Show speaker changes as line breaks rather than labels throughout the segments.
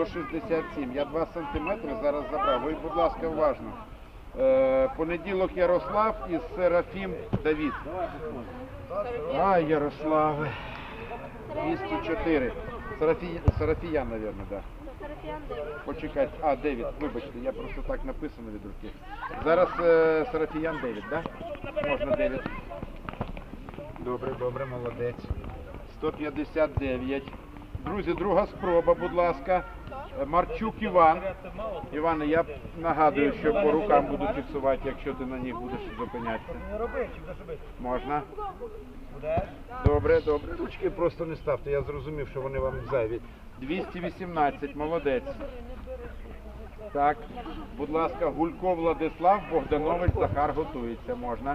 167. Я 2 сантиметри зараз забрав. Ви, будь ласка, уважно. Понеділок Ярослав і Серафім Давід. Ай, Ярославе. 204. Серафіян, мабуть, так. Почекайте. А, Девід, вибачте, я просто так написано від руки. Зараз Серафіян Девід, так? Можна Девід. Добре, добре, молодець. 159. Друзі, друга спроба, будь ласка. Марчук Іван. Іване, я нагадую, що по рукам буду фіксувати, якщо ти на них будеш зупинятися. Можна? Добре, добре. Ручки просто не ставте, я зрозумів, що вони вам зайві. 218, молодець. Так, будь ласка, Гулько Владислав, Богданович Захар готується. Можна?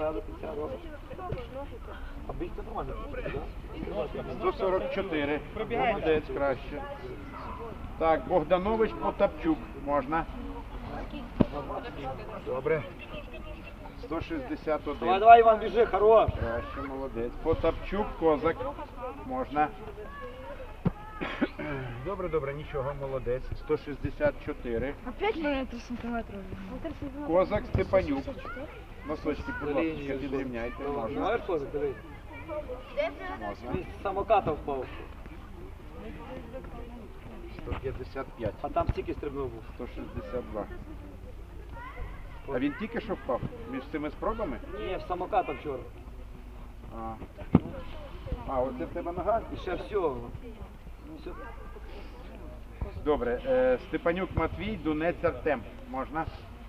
144. Молодець, краще. Так, Богданович Потапчук. Можна? Добре. 161.
Давай, давай, Іван, біжи, хорош.
Краще, молодець. Потапчук, Козак. Можна? Добре, добре, нічого, молодець. 164.
Опять на 3 сантиметра.
Козак, Степанюк. Носочки, будь ласка, підрівняйте. Можна?
Знаєш, Козак, дивись.
Можна.
Він з самоката впав,
155.
а там стільки стрибнув був.
162. А він тільки що впав? Між цими спробами?
Ні, в самоката вчора.
А, оце в тебе нога?
І ще всього. Все.
Добре. Степанюк Матвій, Дунець Артем. Можна?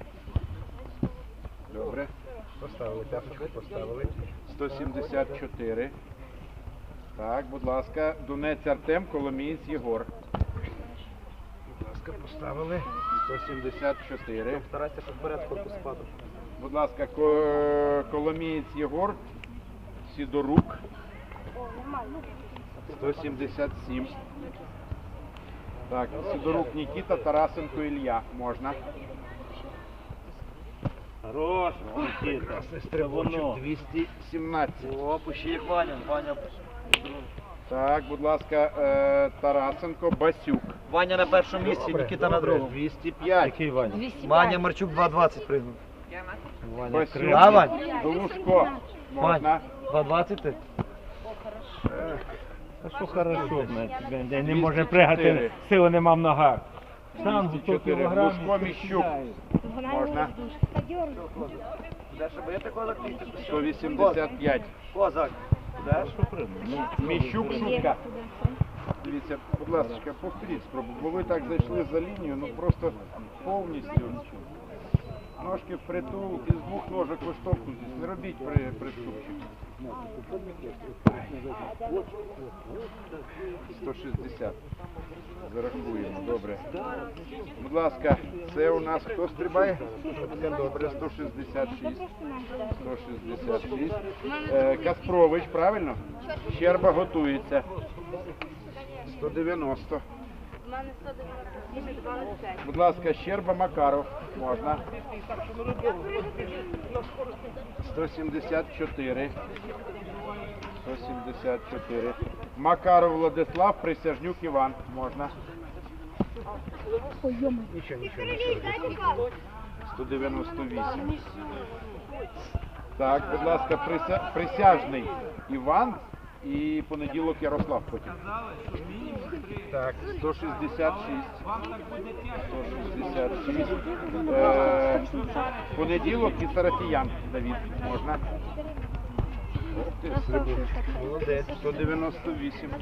Добре. Поставили, тяпочку поставили. 174. Так, будь ласка. Дунець Артем, Коломієць Єгор. Будь ласка, поставили. 174.
Старайся, щоб вперед корпус падав.
Будь ласка, Коломієць Єгор, Сідорук. 177. Так, Сидорук Нікіта, Тарасенко Ілля. Можна?
Хорош, Нікіта. Це воно.
217.
О, пущи як Ваня. Ваня.
Так, будь ласка, Тарасенко, Басюк.
Ваня на першому місці, Нікіта на другому.
205.
Який Ваня? Ваня Марчук 2.20 пригнув.
Басюк.
А, Вань?
Глушко. Можна?
2.20 ти?
А що хорошо, де не може пригати, сили нема в ногах. Сам за 100
204.
кілограмів.
Глушко, Міщук. Можна?
Де ще бити козак?
185.
Козак. Де?
Міщук, Шутка. Дивіться, будь ласка, повторіть спробу, бо ви так зайшли за лінію, ну просто повністю. Ножки впритул, із двох ножок виштовхнутись, не робіть приступчик. 160. Зарахуємо, добре. Будь ласка, це у нас хто стрибає? Добре, 166. 166. Каспрович, правильно? Щерба готується. 190.
У мене 195.
Будь ласка, Щерба Макаров. Можна. 174. 174. Макаров Владислав, Присяжнюк Іван. Можна. Нічого. 198. Так, будь ласка, Присяжний Іван і понеділок Ярослав потім. Так, 166. 166. Понеділок і Сарафіян Давід. Можна? Молодець. 198.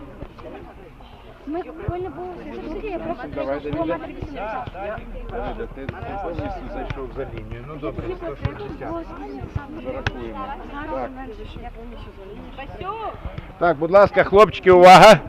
Ми повинні були зустріти, я просто
Давай,
прийшла в
Давіде.
1,80 м.
Давиде, ти повністю зайшов за лінію. Ну добре, 160. Зарахуємо. Так. Так, будь ласка, хлопчики, увага!